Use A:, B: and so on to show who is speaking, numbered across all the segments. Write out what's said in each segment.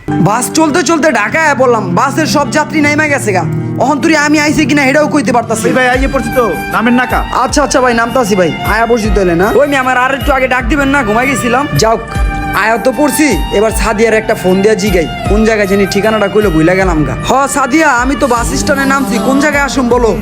A: বাস চলতে চলতে ঢাকায় পড়লাম, বাসের সব যাত্রী নাইমা গেছে গা। অহন্তরি আমি আইছি কিনা এটাও কইতে পারতাছি।
B: ভাই আইয়ে পড়ছি তো, নামেন না কা।
A: আচ্ছা ভাই, নামতাছি ভাই। আয়া পড়ছি তাহলে না? ওই আমার আর একটু আগে ডাক দিবেন না, ঘুমাই গেছিলাম। যাওক, আয়া তো পড়ছি, এবার সাদিয়ার একটা ফোন দিয়া জিগাই কোন জায়গায় জানি ঠিকানাটা কইলে ভুলে গেলাম গা। হ সাদিয়া, আমি তো বাস স্ট্যান্ডে নামছি, কোন জায়গায় আসুম বলো?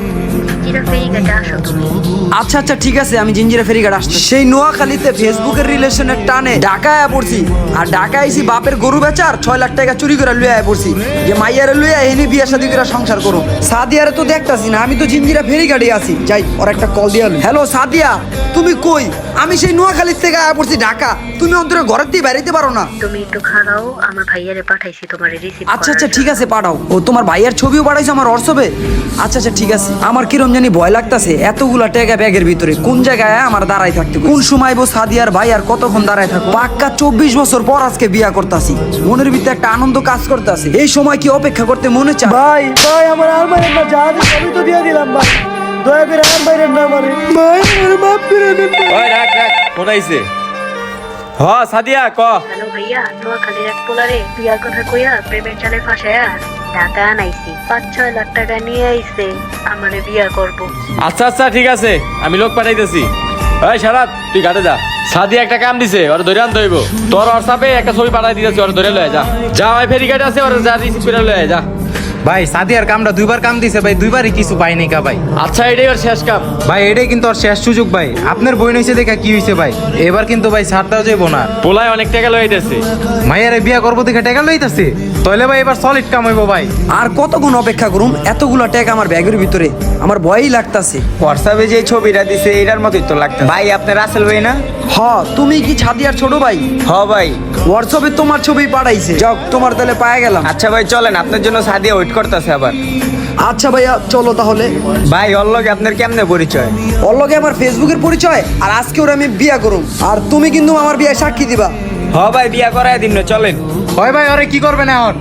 A: আচ্ছা ঠিক আছে, আমি জিঞ্জিরা ফেরিঘাট আসছি। সেই নোয়াখালীতে ফেসবুকের রিলেশনের টানে ঢাকায় পড়ছি, আর ঢাকায় আইছি বাপের গরু বেচার 6 লাখ টাকা চুরি করে লুয়ে পড়ছি যে মাইয়ারে লুয়ে এনে বিয়ে শাদী করে সংসার করো। সাদিয়ারে তো দেখতাছি না, আমি তো জিঞ্জিরা ফেরিঘাটে আছি। যাই ওর একটা কল দিয়া। হ্যালো সাদিয়া, তুমি কই? আমি সেই নোয়াখালী থেকে আয়া পড়ছি ঢাকা, তুমি অন্তরে ঘরের দিয়ে বেরাইতে পারো না?
C: তুমি একটু খাড়াও, আমার ভাইয়ারে পাঠাইছি তোমারে রিসিভ।
A: আচ্ছা ঠিক আছে, পাঠাও। ও তোমার ভাইয়ার ছবিও পাঠাইছো আমার হোয়াটসঅ্যাপে? আচ্ছা ঠিক আছে। আমার কিরম জানি ভয় লাগতাছে, এতগুলা টাকা ব্যাগের ভিতরে কোন জায়গায় আমার দাঁড়াই থাকতে, কোন সময় বো সাদিয়ার ভাই আর কতক্ষণ দাঁড়ায় থাকবো। পাক্কা 24 বছর পর আজকে বিয়া করতাছি, মনের ভিতরে একটা আনন্দ কাজ করতেছে। এই সময় কি অপেক্ষা করতে মনে চায়?
B: ভাই আমার আর মারেন না, যা আছে সবই তো দিয়ে দিলাম ভাই, দয়া করে আর মারেন না আমারে ভাই, আমার মাফ করে দেন।
D: ওই রাখ ফোন আইছে। হ সাদিয়া ক।
C: হ্যালো ভাইয়া, নোয়াখালীর এক পোলারে বিয়ার কথা কইয়া প্রেমের জালে ফাঁসায়া ঢাকা আনাইছি। 5-6 লাখ টাকা নিয়ে আইছে, আমারে বিয়া করবো।
D: আচ্ছা ঠিক আছে, আমি লোক পাঠাইতেছি। ওই শারাত, তুই ঘাটে যা। সাদিয়া একটা কাম দিছে, ওরা ধরে আনতে হইব। তোর হোয়াটসঅ্যাপে একটা ছবি পাঠাই দিতেছি, ওরা ধরে লয়ে যা ওই ফেরিঘাটে আছে, ওরা যা রিসিভ করে লয়ে যা।
E: ভাই সাদিয়ার কামটা দুইবার কাম দিছে ভাই, দুইবারই কিছু পাইনি কা ভাই।
D: আচ্ছা এটাই ওর শেষ কাম
E: ভাই, এটাই কিন্তু ওর শেষ সুযোগ ভাই। আপনার বই নইছে দেখা কি হইছে ভাই, এবার কিন্তু ভাই ছাড় দেওয়া যাইব না।
D: পোলায় অনেক টাকা লইতেছে,
E: মাইয়ারে বিয়া করবো দেখে টাকা লইতাছে, তাহলে ভাই এবার সলিড কাম হইব ভাই।
A: আর কতক্ষণ অপেক্ষা করুম? এতগুলা টাকা আমার ব্যাগের ভিতরে, আমার ভয়ই লাগতাছে।
F: হোয়াটসঅ্যাপে যে ছবিটা দিছে এটার মতোই তো লাগতো ভাই। আপনার রাসেল ভাই না?
A: হ, তুমি কি সাদিয়ার ছোট ভাই?
F: হ ভাই।
A: হোয়াটসঅ্যাপে তোমার ছবি পাঠাইছে, যাও তোমার তাহলে পায়ে গেলাম।
F: আচ্ছা ভাই চলেন, আপনার জন্য সাদিয়া ওয়েট করতেছে আবার।
A: আচ্ছা ভাইয়া চলো তাহলে।
F: ভাই ওর লগে আপনার কেমনে পরিচয়?
A: ওর লগে আমার ফেসবুকের পরিচয়, আর আজকে ওরা আমি বিয়া করুম, আর তুমি কিন্তু আমার বিয়ে সাক্ষী দিবা।
F: হ ভাই, বিয়া করায় দিন না, চলেন।
E: হয় ভাই, ওরে কি করবেন এখন?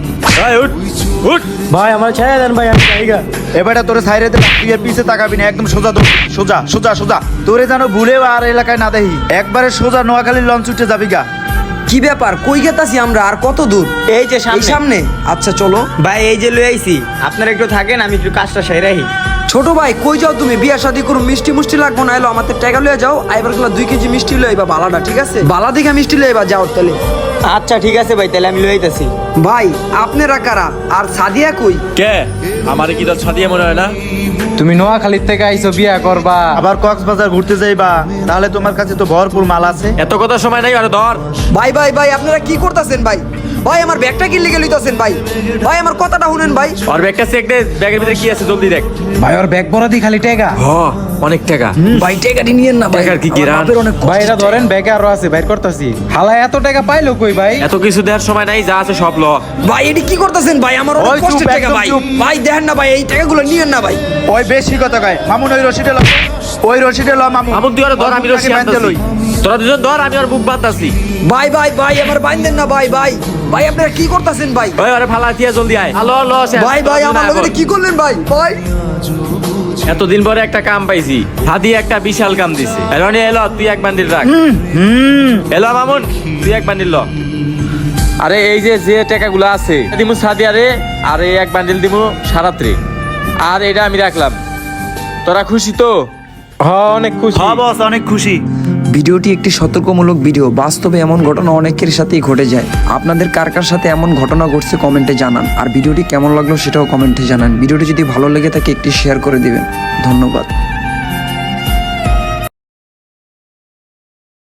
D: উঠ
B: ভাই আমার ছেড়ে দেন ভাই, আমি জায়গা এবারে তোরে সাইরে দে, তুই আর পিছে তাকাবি না, একদম সোজা সোজা তোরে যেন ভুলেও আর এলাকায় না দেখি, একবারে সোজা নোয়াখালীর লঞ্চ উঠে যাবি গা।
A: কি ব্যাপার, কই গেতাছি আমরা? আর কত দূর?
F: এই যে
A: এই সামনে। আচ্ছা চলো
F: ভাই, এই যে লই আইছি, আপনারা একটু থাকেন, আমি একটু কাজটা সেরাই।
A: ছোট ভাই, কই যাও তুমি? বিয়া শাদী করুম, মিষ্টি লাগবো না, এলো আমাদের টাকা লইয়া যাও। আইবার গুলা 2 কেজি মিষ্টি লইবা, বালাটা ঠিক আছে? বালা দিঘা মিষ্টি লইবা, যাও তাহলে।
F: আচ্ছা ঠিক আছে ভাই, তাহলে আমি লই আইতাছি।
A: ভাই আপনারা কারা? আর সাদিয়া কই?
D: কে? আমারে কি তোর সাদিয়া মনে হয় না?
E: তুমি নোয়াখালীর থেকে আইছো বিয়া করবা,
B: আবার কক্সবাজার ঘুরতে যাইবা, তাহলে তোমার কাছে তো ভরপুর মাল আছে।
D: এত কথা সময় নাই, আরে ধর।
A: ভাই আপনারা কি করতেছেন ভাই? ভাই আমার ব্যাগটা কি লেগে লইতাছেন ভাই? ভাই আমার কথাটা শুনেন ভাই।
D: ওর ব্যাগটা চেক দে, ব্যাগের ভিতরে কি আছে জলদি দেখ।
E: ভাই ওর ব্যাগ ভরা দি খালি টাকা।
D: হ, অনেক টাকা।
A: ভাই টাকাটি নিয়েন না ভাই,
D: টাকার কি
A: আমার
D: কিরান?
A: বাপের অনেক কষ্ট।
E: ভাই এটা ধরেন, ব্যাগে আরো আছে, বাইর করতেছি। হালা এত টাকা পাইলো কই ভাই?
D: এত কিছু দেওয়ার সময় নাই, যা আছে সব ল।
A: ভাই এটি কি করতেছেন ভাই? আমার অনেক
B: ওই চুপ,
A: কষ্টের টাকা
B: একদম
A: ভাই।
B: চুপ।
A: ভাই দেখেন না ভাই, এই টাকাগুলো নিয়েন না ভাই।
B: ওই বেশি কথা কয় মামুন, ওই রশিদে ল, মামুন।
D: আমন তুই ওরে ধর, আমি রশি
B: বাঁধতে লই।
D: আনতাছি। তোরা দুজন ধর, আমি ওর বুক বাঁধতাছি।
A: ভাই আমার বাইন্ধেন না ভাই। ভাই আপনারা কি করতেছেন ভাই?
D: ওই ওরে ফালা দিয়া জলদি আয়। হ্যালো শেষ।
A: ভাই আমার লগে কি করলেন ভাই?
D: এতদিন পরে একটা কাম পাইছি, হাদি একটা বিশাল কাম দিছে। এরনি এলো, তুই এক বান্ডিল রাখ। এলো মামুন, তুই এক বান্ডিল ল। আরে এই যে টাকাগুলো আছে দিমু সাদিয়ারে, আর এই এক বান্ডিল দিমু সারাত্রে, আর এটা আমি রাখলাম। তোরা খুশি তো?
E: হ্যাঁ অনেক খুশি।
B: হ্যাঁ বস, অনেক খুশি।
A: ভিডিওটি একটি সতর্কমূলক ভিডিও। বাস্তবে এমন ঘটনা অনেকের সাথেই ঘটে যায়। আপনাদের কার কার সাথে এমন ঘটনা ঘটছে কমেন্টে জানান। আর ভিডিওটি কেমন লাগলো সেটাও কমেন্টে জানান। ভিডিওটি যদি ভালো লেগে থাকে একটি শেয়ার করে দিবেন। ধন্যবাদ।